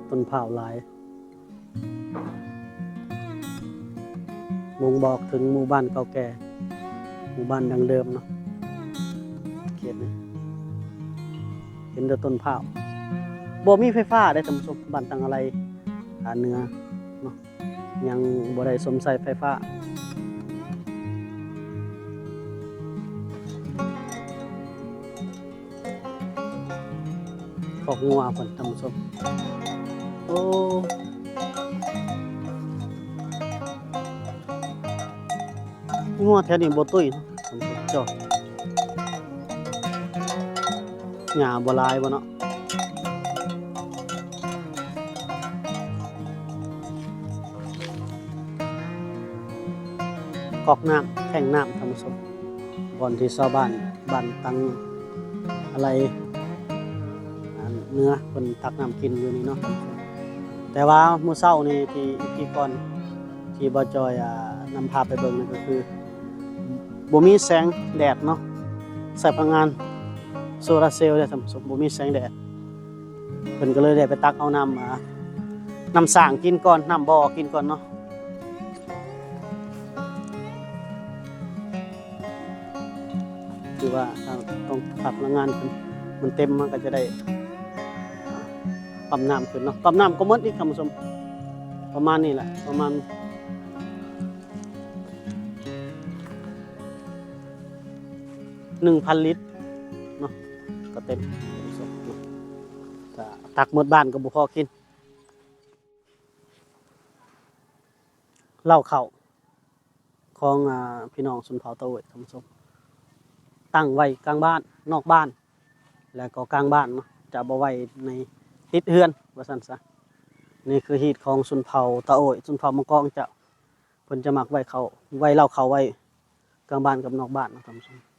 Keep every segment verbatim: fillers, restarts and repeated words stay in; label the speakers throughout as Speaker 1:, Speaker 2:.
Speaker 1: ต้นเผาหลายบ่งบอกถึงหมู่บ้านเก่าแก่หมู่บ้านดังเดิมเนาะเขตนี้เห็นแต่ต้นเผาบ่มีไฟฟ้าได้ท่านผู้ชมบ้านตังอะไรหาเหนือเนาะยังบ่ได้สมใส่ไฟฟ้าขอกงัวเพิ่นท่านผู้ชมโอ้งัวแถวนี้บ่ตุ้ยเนาะท่านผู้ชมจ้ะหญ้าบ่หลายบ่เนาะกอกน้ำแท่งน้ำท่านผู้ชมบ่อนที่ชาวบ้านบ้านตังอะไรเนื้อเพิ่นตักน้ำกินอยู่นี่เนาะท่านผู้ชมแต่ว่ามื้อเช้านี่ที่ที่ก่อนที่บ่จอยอ่านำพาไปเบิ่งนั่นก็คือบ่มีแสงแดดเนาะใช้พลังงานโซลาร์เซลล์ได้ท่านผู้ชมบ่มีแสงแดดเพิ่นก็เลยได้ไปตักเอาน้ำมาน้ำสร้างกินก่อนน้ำบ่อกินก่อนเนาะคือว่าถ้าต้องตักพลังงานเพิ่นมันเต็มมันก็จะได้ปั๊มน้ำขึ้นเนาะปั๊มน้ำก็หมดอีกท่านผู้ชมประมาณนี้แหละประมาณหนึ่งพันลิตรเนาะก็เต็มตักหมดบ้านก็บุพอกินเหล้าเข่าของอ่าพี่น้องชนเผ่าตะเวยท่านผู้ชมตั้งไว้กลางบ้านนอกบ้านแล้วก็กลางบ้านเนาะจะบ่ไว้ในติดเฮือนว่าซั่นซะนี่คือฮีตของชนเผ่าตะโอยชนเผ่ามังกรจะเพิ่นจะมักไว้เขาไว้เหล้าเข่าไว้กลางบ้านกับนอกบ้านนะท่านผู้ชม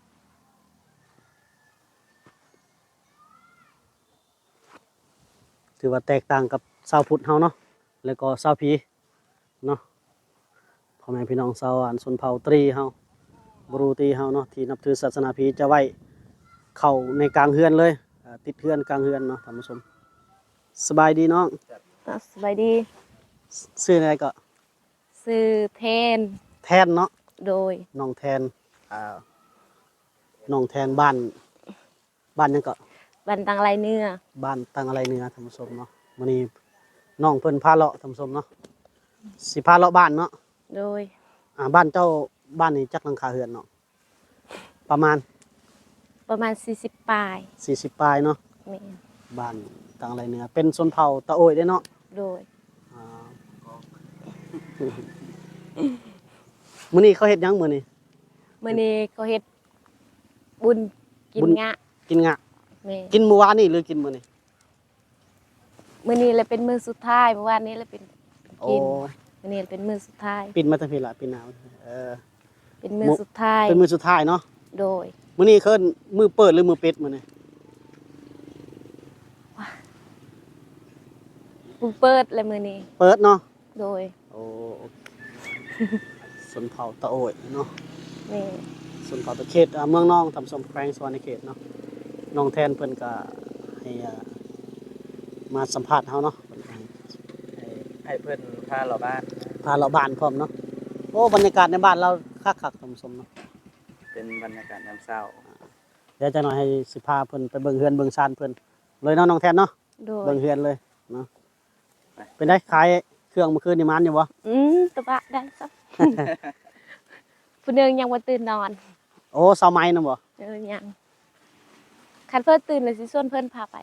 Speaker 1: ถือว่าแตกต่างกับชาวพุทธเฮาเนาะแล้วก็ชาวผีเนาะพ่อแม่พี่น้องชาวอันชนเผ่าตรีเฮาบรูตรีเฮาเนาะที่นับถือศาสนาผีจะไว้เข้าในกลางเฮือนเลยติดเฮือนกลางเฮือนเนาะท่านผู้ชมสบายดีน้อง
Speaker 2: สบายดี
Speaker 1: ชื่ออะไรก็
Speaker 2: ชื่อแทน
Speaker 1: แทนเนาะ
Speaker 2: โดย
Speaker 1: น้องแทนอ่าน้องแทนบ้านบ้านยังก็
Speaker 2: บ้านตังไรเนื้อ
Speaker 1: บ้านตังอะไรเนื้อท่านผู้ชมเนาะมื้อนี้น้องเพิ่นพาเลาะท่านผู้ชมเนาะสิพาเลาะบ้านเนาะ
Speaker 2: โดย
Speaker 1: อ่าบ้านเจ้าบ้านนี้จักหลังคาเรือนเนาะประมาณ
Speaker 2: ประมาณสี่สิบปลาย
Speaker 1: สี่สิบปลายเนาะ
Speaker 2: แม่น
Speaker 1: บ้านตังอะไรเนื้อเป็นชนเผ่าตะโอยได้เนาะ
Speaker 2: โดย
Speaker 1: อ่ามื้อนี้เขาเฮ็ดหยังมื้อนี้
Speaker 2: มื้อนี้เขาเฮ็ดบุญกินงะ
Speaker 1: กินงะ
Speaker 2: แม่
Speaker 1: กินมื้อวานนี่หรือกินมื้อนี้
Speaker 2: มื้อนี้เลยเป็นมื้อสุดท้ายเมื่อวานนี้เลยเป็นกินมื้อนี้เป็นมื้อสุดท้าย
Speaker 1: ปิดมาตั้งพี่ละปิดหนาวเออ
Speaker 2: เป็นมื้อสุดท้าย
Speaker 1: เป็นมื้อสุดท้ายเนาะ
Speaker 2: โดย
Speaker 1: มื้อนี้เคิ้นมื้อเปิดหรือมื้อปิดมื้อนี้
Speaker 2: มื้อเปิดเลยมื้อนี้
Speaker 1: เปิดเนาะ
Speaker 2: โดย
Speaker 1: โอ้ชนเผ่าตะโอยเนาะ
Speaker 2: แม่
Speaker 1: ชนเผ่าตะเขตเมืองน้องทำสมแขวงสวรรณเขตเนาะน้องแทนเพิ่นก็ให้มาสัมภาษณ์เฮาเนาะ
Speaker 3: ให้เพิ่นพาเราบ้าน
Speaker 1: พาเราบ้านพร้อมเนาะโอ้บรรยากาศในบ้านเราคักๆท่านผู้ชมเนาะ
Speaker 3: เป็นบรรยากาศยามเช้า
Speaker 1: เดี๋ยวจะหน่อยให้สิพาเพิ่นไปเบิ่งเฮือนเบิ่งชานเพิ่นเลยเนาะน้องแทนเนาะเบิ่งเฮือนเลยเนาะเป็นได้ขายเครื่องเมื่อคืนนี่มันอยู่บ่
Speaker 2: อืมตะบะได้ซับผู้นึงยังบ่ตื่นนอน
Speaker 1: โอ้เช้าไม้นำบ่
Speaker 2: เออยังคันเพิ่นตื่นเลยสิชวนเพิ่นพาไป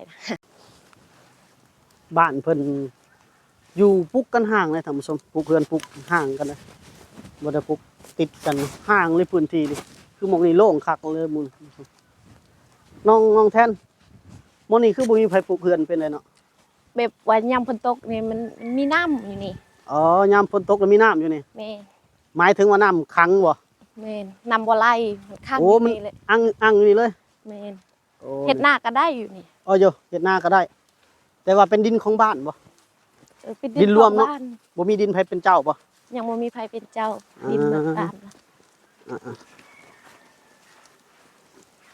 Speaker 1: บ้านเพิ่นอยู่ปุกกันห่างเลยท่านผู้ชมปุกเฮือนปุกห่างกันเลยบ่ได้ปุกติดกันห่างเลยพื้นที่นี่คือหม่องนี้โล่งคักเลยมื้อน้องน้องแทนหม้องนี้คือบ่มีไผปลูกเฮือนเป็นไรเนาะ
Speaker 2: แบบว่ายามฝนตกนี่มันมีน้ำอยู่นี่
Speaker 1: อ๋อยามฝนตกแล้วมีน้ำอยู่นี่
Speaker 2: แม่
Speaker 1: หมายถึงว่าน้ำขังบ่
Speaker 2: แม่นน้ำบ่ไหลข้าง
Speaker 1: นี่เลยอังอังอยู่นี่เลย
Speaker 2: แม่นเฮ็ดนาก็ได้อยู่นี่
Speaker 1: อ๋ออยู่เฮ็ดนาก็ได้แต่ว่าเป็นดินของบ้านบ่
Speaker 2: เออเป็นดินรวมเนาะ
Speaker 1: บ่มีดินไผเป็นเจ้าบ่
Speaker 2: ยังบ่มีไผเป็นเจ้าดินเบิดตามนะ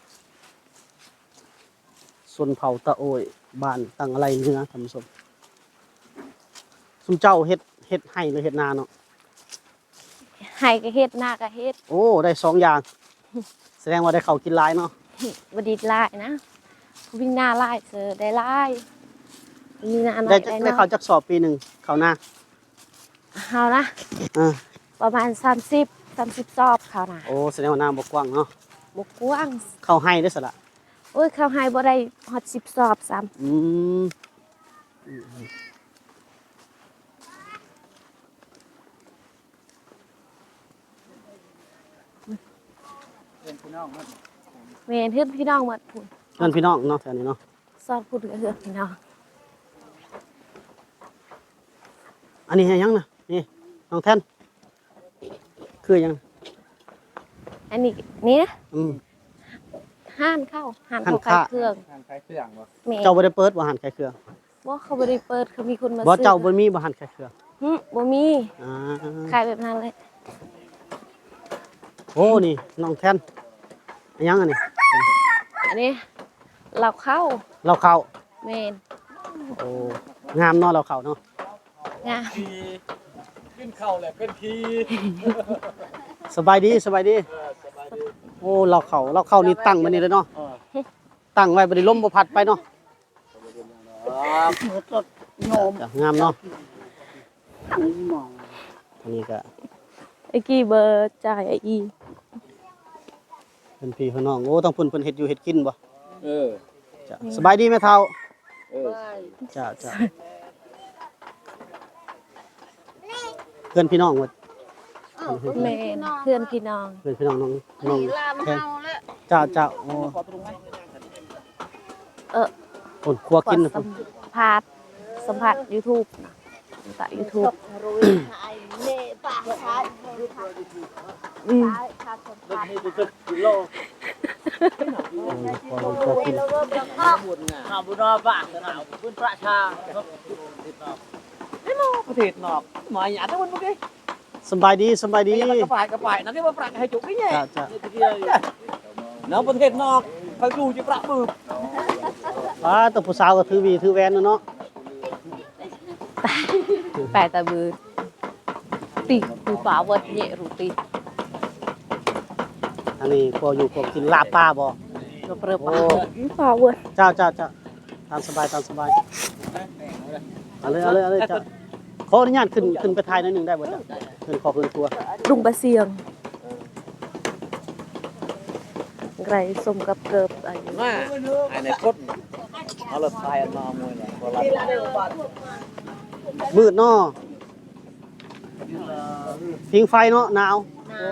Speaker 1: ส่วนเผ่าตะโอยบ้านตั้งอะไรเนื้อท่านผู้ชมซุมเจ้าเฮ็ดเฮ็ดให้หรือเฮ็ดนาเนาะ
Speaker 2: ให้ก็เฮ็ดหน้าก็เฮ็ด
Speaker 1: โอ้ได้สองอย่าง แสดงว่าได้เข้าวกินหลายเนาะ
Speaker 2: บ่ดีหลายนะผู้วิ่งหน้าหลายเสือได้หลายมีหน้าน้อ
Speaker 1: ได้
Speaker 2: ย
Speaker 1: จัก
Speaker 2: ได้
Speaker 1: ได้
Speaker 2: น้
Speaker 1: เข้า
Speaker 2: อย
Speaker 1: จักสอบปีหนึงเข้าหน้า
Speaker 2: เฮานะ
Speaker 1: อ่า
Speaker 2: ประมาณสามสิบ สามสิบสอบเขานะ
Speaker 1: โอ้แสดงว่าหน้าบ่กว้างเนาะ
Speaker 2: บ่กว้าง
Speaker 1: เข้าให้ได้อสละ
Speaker 2: โอ้ยเขาให้บ่ได้ฮอดสิบสอบซ้ำ
Speaker 1: อืม
Speaker 3: เพื่อนพี่น้องเนาะ
Speaker 2: แม่นเฮือนพี่น้องหมดพุ่น
Speaker 1: เพื่อนพี่น้องเนาะแถวนี้เนาะ
Speaker 2: สอบพุ่นก็เฮือนพี่น้อง
Speaker 1: อันนี้ให้ยังนะนี่น้องแท่นคือยัง
Speaker 2: อันนี้นี่นะ
Speaker 1: อืม
Speaker 2: ห้านเข้าห้าน
Speaker 1: ห้าน
Speaker 2: เข้าขาย
Speaker 1: ค้า
Speaker 2: เครื่อง
Speaker 3: ทางคล้ายเครื่องบ่
Speaker 2: แม่
Speaker 1: เจ้าบ่ได้เปิดบ่หันขายเครื่อง
Speaker 2: บ่เขาบ่ได้เปิดเขามีคนมา
Speaker 1: บ่
Speaker 2: ซื้อ
Speaker 1: เจ้าบ่มีบ่หันขายเครื่อง
Speaker 2: หึบ่มี
Speaker 1: อ่า
Speaker 2: ขายแบบนั้นเลย
Speaker 1: โอ้นี่น้องแท่นอันยังอันนี้
Speaker 2: อันนี้เราเข้า
Speaker 1: เราเข้า
Speaker 2: แม่น
Speaker 1: โอ้งามเนาะเราเข้าเนาะ
Speaker 2: งาม
Speaker 3: ทีขึ้นเข้าแหละเป็นที
Speaker 1: สบายดีสบายดี โอ้เราเข้าเราเข้านี่ตั้งมานี่เลยเนาะตั้งไว้บ่ได้ลมบ่พัดไปเนาะจ้ะงามเนาะอันนี้ก็
Speaker 2: ไอ้กี้เบอร์จ่ายไอ้อี
Speaker 1: เป็นพี่พี่น้องโอ้ต้องเพิ่นเพิ่นเฮ็ดอยู่เฮ็ดกินบ่
Speaker 3: เออ
Speaker 1: จ้ะสบายดีแม่เฒ่า
Speaker 3: เออ
Speaker 1: จ้ะจ้ะเพื่อนพี่น้องหมด
Speaker 2: แม่นเพื่อนพี่น้อง
Speaker 1: เพื่อนพี่น้องน้องน้องแทนจ้าจ้าโอ้
Speaker 2: เออ
Speaker 1: คนครัว
Speaker 2: ขอ
Speaker 1: กินนะ
Speaker 2: สั
Speaker 1: พุ่น
Speaker 2: มภาษณ์สัมภาษณ์ YouTube นะจาก YouTube อืม
Speaker 1: คนครัวกิน
Speaker 4: หาบุญรอบ้านหนาวบุญประชาครับนี่มอประเทศนอกหมายหยาดทั้งวันเมื่อกี้
Speaker 1: สบายดีสบายดี
Speaker 4: นี่มันกระป่ายกระป่ายนั่นที่ว่าประให้จุกนี่ไง
Speaker 1: จ้าจ้า
Speaker 4: เนาะประเทศนอกเขาดูจะประมือ
Speaker 1: ป้าตัวผู้สาวก็ถือวีถือแวนเนาะ
Speaker 2: แปลตะบือตีคือฝาเวิร์ดเนี่ยรูตี
Speaker 1: อันนี้ครัวอยู่ครัวกินลาบปลาบ่
Speaker 2: เราเปลือกฝาฝาเวิร์ด
Speaker 1: จ้าจ้าจ้าตามสบายตามสบายเอาเลยเอาเลยเอาเลยจ้าขออนุญาตขึ้นขึ้นไปถ่ายหน่อยหนึงได้บ่จ้ะขึ้นขอขึ้นครัว
Speaker 2: ดุงบะเซียงไรสมกับเกิบอะไรอยู่
Speaker 4: มาไอ้ในพดเอาละทายอันนอมวยเนี่ยโบราณ
Speaker 1: มืดเนาะพิงไฟเนาะหนาว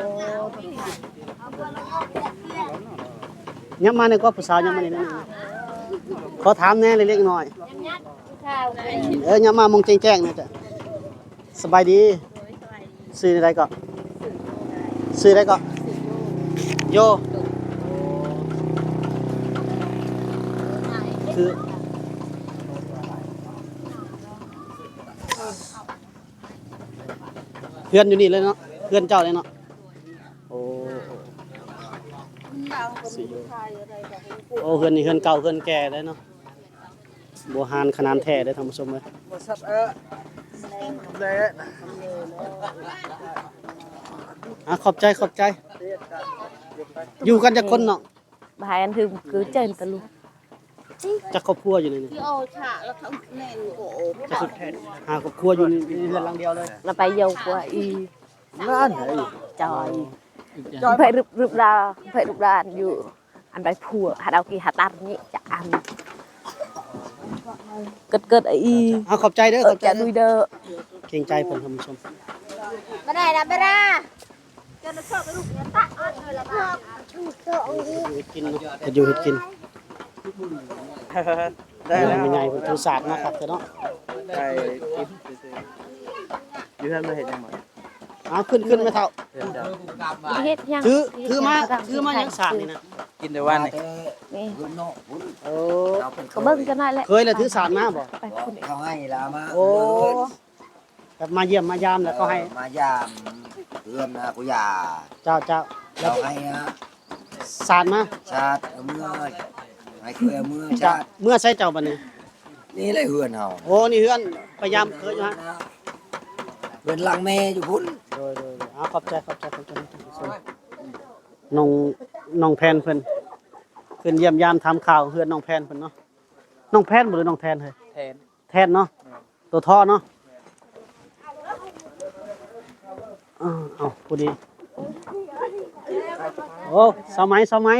Speaker 1: ยับมาเนี่ยก็ผู้สาวยับมานี่นะขอถามแหน่เล็กๆน้อยเออยับมามองแจ้งๆนี่จ้ะสบายดีซื้ออะไรก็ซื้ออะไรก็โยคือเพื่อนอยู่นี่เลยเนาะเพื่อนเจ้าเลยเนาะโอ้สิโยโอ้เพื่อนนี่เพื่อนเก่าเพื่อนแก่เลยเนาะบัวหานขนาดแท้เลยท่านผู้ชมเลย
Speaker 4: บริษัทเออเลย
Speaker 1: อ่ะขอบใจขอบใจ อยู่กันจะคนเนาะ
Speaker 2: บายอันคือคือเจนตะลุ
Speaker 1: จะครอบครัวอยู่ในนี่
Speaker 5: ที่เอาฉะแล้วทั้งแน่นโกโอ
Speaker 1: จะคือหาครอบครัวอยู่ในเรือนหลังเดียวเลย
Speaker 2: เราไปเยาวกว่าอี
Speaker 4: นั่นไง
Speaker 2: จอยไปรึบรึบดาไปรึบดานอยู่อันใดผัวหาดาวกีหาตันนี่จะอันเกิดเกิดอี
Speaker 1: อ่ะขอบใจเด้อ
Speaker 2: เอ
Speaker 1: ข
Speaker 2: อ
Speaker 1: อบใจ
Speaker 2: จะ
Speaker 1: เด้
Speaker 2: ดุ
Speaker 1: อย
Speaker 2: เด้อ
Speaker 1: เกรงใจเพิ่นท่านผู้ชม
Speaker 5: ไม่ได้นะไม่ได้จะมาชอบไปลูกเนี่ยตะอ้อนเลยละบ้าชูเสื้อเอาดิ
Speaker 1: เฮ็ดกินเนาะเฮ็ดอยู่เฮ็ดกิน
Speaker 3: ได้แล้ว
Speaker 1: ไม่ใหญ่เพิ่นถือศาสตร์นะครับแต่เนาะ
Speaker 3: ได้กินซื่อๆอยู่ท่านมาเห็นยังหมด
Speaker 1: เอาขึ้นขึ้นไม่เท่า
Speaker 3: เพื่อนเจ้า
Speaker 2: เฮ็ดยัง
Speaker 1: ถือถือมาถือมายังศาสตร์นี่นะ
Speaker 3: กินในวันนี่
Speaker 2: นี่
Speaker 1: โอ้
Speaker 2: ก็เบิ่งกันได้แหละ
Speaker 1: เคยแล้วถือศาสตร์มาบ่
Speaker 2: ไปคนเดียว
Speaker 6: เขาให้ละมา
Speaker 1: โอ้แบบมาเยี่ยมมายามแล้วก็ให้
Speaker 6: มายามเพื่อนนะกูอยา
Speaker 1: เจ้าเจ้าแล้ว
Speaker 6: เราให้นะ
Speaker 1: ศาสตร์มา
Speaker 6: ชาติเมื่อให้เคยเมื่อ
Speaker 1: จะ
Speaker 6: ชาติ
Speaker 1: เมื่อใช้เจ้าบัดนี้
Speaker 6: นี่เลยเฮือนเฮา
Speaker 1: โอ้นี่เฮือนพยายามเคยอยู่ฮะ
Speaker 6: เพื่อนหลังแม่อยู่พุ่น
Speaker 1: โดยโดยโดยอ้าวขอบใจขอบใจขอบใจท่านผู้ชมน้องน้องแพนเพิ่นขึ้นเยี่ยมยามถามข่าวเฮือนน้องแพนเพิ่นเนาะน้องแพนบ่หรือน้องแทนเฮ้ย
Speaker 3: แทน
Speaker 1: แทนเนาะตัวท่อเนาะอ้าวเอาพอดีโอ้สมัยสมัย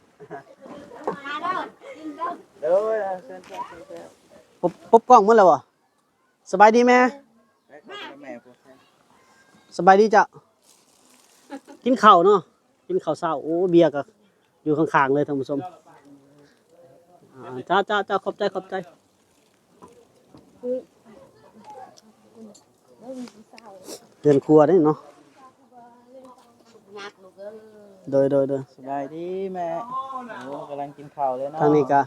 Speaker 3: เด้อเชิญเชิญเชิญ
Speaker 1: ปุ๊บปุ๊บกล้องมื้อแล้วบ่สบายดีแม่
Speaker 3: แม่แม่พวก
Speaker 1: สบายดีจ้ะกินข้าวเนาะกินข้าวเช้าโอ้เบียร์ก็อยู่ข้างๆเลยท่านผู้ชมอ่าจ้าจ้าจ้าขอบใจขอบใจเดินครัวได้เนาะโดยโดยโดย
Speaker 3: สบายดีแม่โอ้กำลังกินข้าวเลยเนาะ
Speaker 1: ทางนี้ก็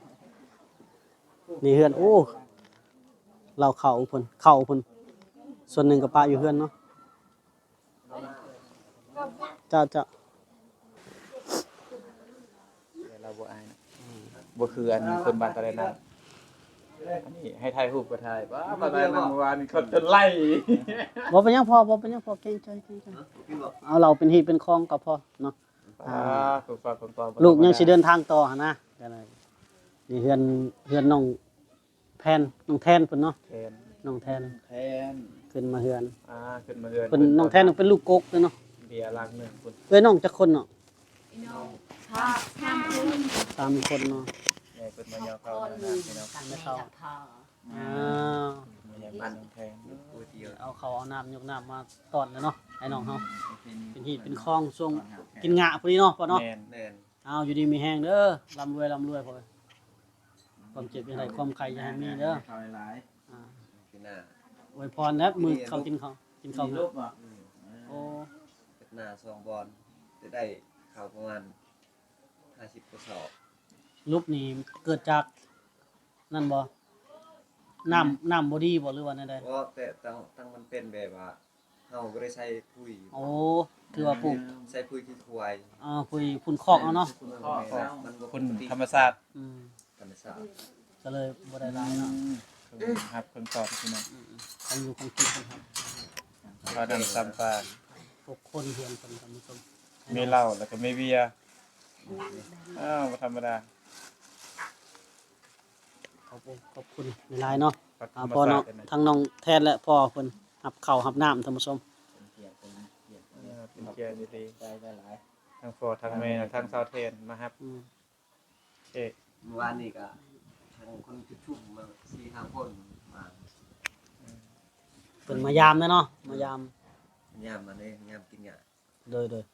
Speaker 1: นี่เฮือนโอ้เราเข่าเพิ่นเข่าเพิ่นส่วนหนึ่งกับปลาอยู่เฮือนเนาะจ้าจ้า
Speaker 3: เราบ่อายนะบ่คืออันคนบ้านตะไลนั่นอันนี้ให้ถ่ายรูปก็ถ่ายว้าบ้านตะไลนั่นเมื่อวานเขาจะไล่
Speaker 1: บ่เป็นหยังพอบ่เป็นหยังพอเก่งใจเก่งใจเอาเราเป็นฮีเป็นคลองก็พอเนาะ
Speaker 3: อ่าถูกฝากคนต่อ
Speaker 1: ลูกยังสิเดินทางต่อหั่นนะก็เลยนี่เฮือนเฮือนน้องแพนน้องแทนเพิ่นเนาะ
Speaker 3: แทน
Speaker 1: น้องแทน
Speaker 3: แทน
Speaker 1: ขึ้นมาเฮือน
Speaker 3: อ่าขึ้นมาเรือน
Speaker 1: เพิ่นน้องแทนเป็นลูกกกเลยเนาะ
Speaker 3: เบียร์ลังหนึ่งคน
Speaker 1: เอ้ยน้องจักคนเนาะสามคนเนาะ
Speaker 3: แม่เพิ่นมายาวเข้าหน้าพี่น้อง
Speaker 1: ไม่เข้าอ้าว
Speaker 3: มายาวบ้านน้องแทน
Speaker 1: เอาเขาเอาน้ำยกน้ำมาตอนเลยเนาะให้น้องเฮาเป็นหีดเป็นคลองช่วงกินงะพอดีเนาะพ่อเนาะ
Speaker 3: แม่น
Speaker 6: แน่น
Speaker 1: เอาอยู่ดีมีแห้งเด้อร่ำรวยร่ำรวยพ่อความเจ็บอย่างไรความใครอย่าให้มีเด้อ
Speaker 3: ข้าวหลาย
Speaker 1: อ่า
Speaker 6: กินหน้า
Speaker 1: อวยพรนะมือเขากินเขากิน
Speaker 3: ๆ
Speaker 1: เขา
Speaker 3: มี
Speaker 1: เนาะ
Speaker 3: รูปบ่
Speaker 1: โอ้
Speaker 6: กินหน้าสองบอลจะได้ข้าวประมาณห้าสิบกระสอบ
Speaker 1: รูปนี้เกิดจากนั่นบ่น้ำน้ำบอดี้บ่หรือว่านั่นใด
Speaker 6: เพราะแต่ตั้งตั้งมันเป็นแบบว่าเฮาก็ได้ใช้ปุ๋ย
Speaker 1: โอ้คือว่าปลูก
Speaker 6: ใช้ปุ๋ยที่ควาย
Speaker 1: อ่าคุยพุ่นคอกเอาเนาะ
Speaker 6: มันบ่
Speaker 3: คุณธรรมศาสตร์
Speaker 1: อืม
Speaker 6: ธรรมชาติ
Speaker 1: ก็เลยบ่ได้หลายเนาะ
Speaker 3: ครับคนตอบพี่น้อง
Speaker 1: ต้องอยู่ของกินกันครับ
Speaker 3: ข้าวดำซัมปลา
Speaker 1: พวกคนเฮียนคนท่านผู้ชม
Speaker 3: มีเหล้าแล้วก็มีเบียร์อ้าวบ่ธรรมดา
Speaker 1: ขอบคุณขอบคุณหลายๆเนาะ
Speaker 3: ครับ
Speaker 1: อ่าพ่อน้องทั้งน้องแทนและพ่อเพิ่นหับข้าวหับน้ำท่านผู้ชม
Speaker 3: เป็นเกียร์ดีๆได้หลายทั้งพ่อทั้งแม่ทั้งสาวเทนมาครับ
Speaker 1: อืม
Speaker 3: เอ๊ะ
Speaker 6: เมื่อวานนี่ก็ทางคนที่ชุ่มมาสี่ห้าคนมา
Speaker 1: เพิ่นมายามเนาะมายาม
Speaker 6: ยามมาเลยยามกินหญ้า
Speaker 1: โดยโดย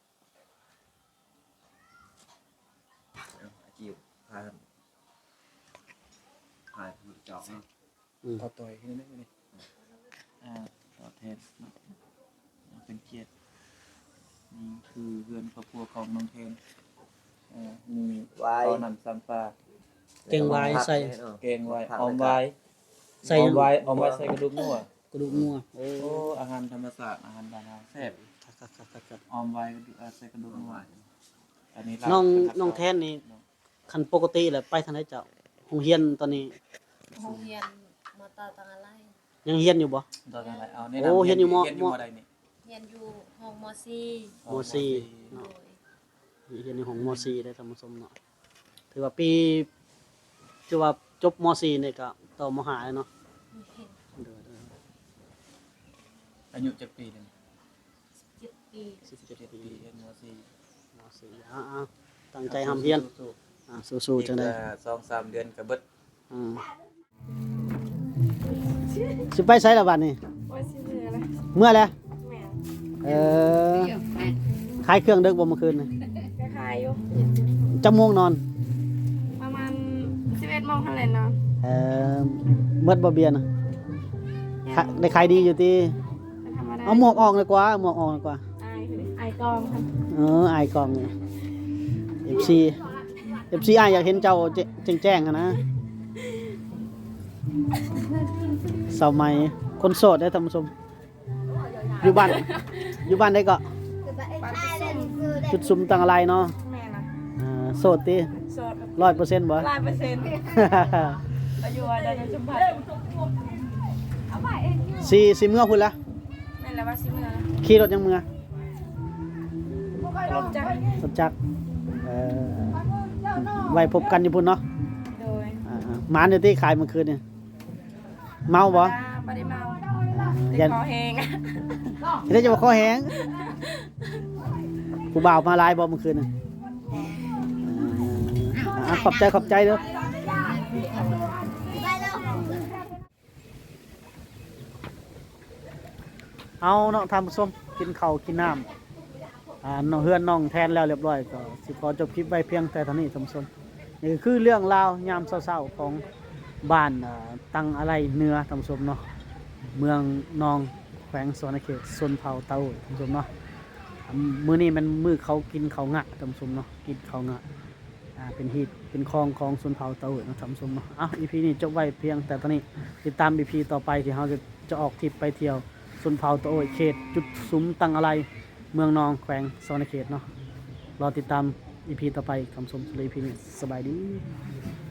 Speaker 6: เอาอาชีพพาพาผู้จอกเนาะ
Speaker 1: อืม
Speaker 3: ต่อต่อยขึ้นนิดนึงอ่าต่อเทนเป็นเกียรตินี่คือเพื่อนครอบครัวของน้องเทนอ่ามี
Speaker 6: ไว้
Speaker 3: ข้าวนำซัมปลา
Speaker 1: เก่งไว้ใส่
Speaker 3: เกงไว้ออมไว้
Speaker 1: ใส่
Speaker 3: อ
Speaker 1: ห
Speaker 3: อ
Speaker 1: ยั
Speaker 3: ม
Speaker 1: ง
Speaker 3: ไว้ออมไว้ใส่กระดูกงัว
Speaker 1: กระดูกงัวโอ้
Speaker 3: โอ้อาหารธรรมศาสตร์อาหารบ้านเราแซ่บ
Speaker 1: ครับๆๆ
Speaker 3: ออมไว้กระดูกอ่าใส่กระดูกงัวอันนี้
Speaker 1: ๆน้องน้องแทนนี่คันปกติแหละไปทางไหนเจ้าโรงเรียนตอนนี้
Speaker 2: โรงเรียนมอตอตังอะไร
Speaker 1: ยังเรียนอยู่บ่
Speaker 3: ตอนอะไรเอาแนะ
Speaker 1: โอ้
Speaker 3: นำ
Speaker 1: เห็นอยู่ม
Speaker 3: เห็นอยู่
Speaker 1: ม
Speaker 3: มใดนี่
Speaker 2: เรียนอยู่ห้องมอซี
Speaker 1: มสี่
Speaker 2: โด
Speaker 1: เนาะ
Speaker 2: ย
Speaker 1: เรียนอยู่ของมสี่ได้ท่านผู้ชมเนาะถือว่าปีถือว่าจบมสี่นี่ก็ต่อมห้าเลยเนาะเด้อ
Speaker 3: อายุจักปีหนึง
Speaker 2: เจ็ดปี
Speaker 1: ๆสิบเจ็ด
Speaker 3: เจ็ด
Speaker 1: ปี
Speaker 3: ปีเรียนมสี่
Speaker 1: มสี่อ้าวๆตั้งใจทำเรียนอ่าสู้ๆจังได๋
Speaker 3: อีกละสองสามเดือนก็เบิด
Speaker 1: อืมสิไปไสล่ะบัดนี้
Speaker 5: ว่าสิเหลืออะไร
Speaker 1: เมื่อแล้ว
Speaker 5: แม่
Speaker 1: เออขายเครื่องดึกบ่เมื่อคืนนี่
Speaker 5: ก็ขายอยู่
Speaker 1: จักโมงนอน
Speaker 5: ประมาณสิบเอ็ดโมงทันเลยเนาะ
Speaker 1: เออเบิดบ่เบียร์น่ะขะได้ขายดีอยู่ติ
Speaker 5: ธรรมดา
Speaker 1: เอาหมวกออกเลยกว่าหมวกออกเลยกว่า
Speaker 5: อายคืออายกองค่ะ
Speaker 1: เอออายกล่องนี่ เอฟ ซี เอฟ ซี อายอยากเห็นเจ้าแจ้งแจ้งๆอะนะสาวใหม่คนโสดได้อท่านผู้ชมอยู่บ้านอยู่บ้านได้ก็ จุดซุมตังอะไรเนาะ
Speaker 5: แม่นะ
Speaker 1: อ่าโสดติ
Speaker 5: โสด
Speaker 1: ร้อยเปอร์เซ็นต์บ่
Speaker 5: ร้อยเปอร์เซ็นต์อายุอะไรจะสัมผัส
Speaker 1: สี่สี่เมื่อพุ่นละ
Speaker 2: แม่นแล้วว่าสิเมื่อแล้ว
Speaker 1: ขี่รถยังเมื่อ
Speaker 2: รถจักร
Speaker 1: รถจักรเอ่อไว้พบกันอยู่พุ่นเนาะ
Speaker 2: โดย
Speaker 1: อ่าๆหมาเดี๋ยวที่ขายเมื่อคืนเนี่ยเมาบ่
Speaker 2: บ่ได้เมา
Speaker 1: ยั
Speaker 2: แต่
Speaker 1: น
Speaker 2: คอแห้ง
Speaker 1: เดี๋ยวจะมาคอแห้งผู้บ่าวมาหลายบ่เมื่อคืนน่ะอ่าๆขอบใจขอบใจเด้อเอาเนาะทำส้มกินข้าวกินน้ำอ่าน้องเฮือนน้องแทนแล้วเรียบร้อยก็สิขอจบคลิปไว้เพียงแต่เท่านี้ท่านผู้ชมนี่ก็คือเรื่องราวยามเช้าๆของบ้านอ่าตังอะไรเหนือท่านผู้ชมเนาะเมืองนองแขวงสวรรณเขตชนเผ่าเตาท่านผู้ชมเนาะอ่ามื้อนี้มันมื้อเขากินเขาวงะท่านผู้ชมเนาะกินเขาวงะอ่าเป็นฮีตเป็นคลองของชนเผ่าเตาเนาะท่านผู้ชมเนาะอ้าว อี พี นี้จบไว้เพียงแต่เท่านี้ติดตาม อี พี ต่อไปที่เราจะจะออกทริปไปเที่ยวชนเผ่าเตาโอยเขตจุดซุ้มตังอะไรเมืองนองแขวงสวรรณเขตเนาะรอติดตาม อี พี ต่อไปคำชมสุริพีนี้สบายดี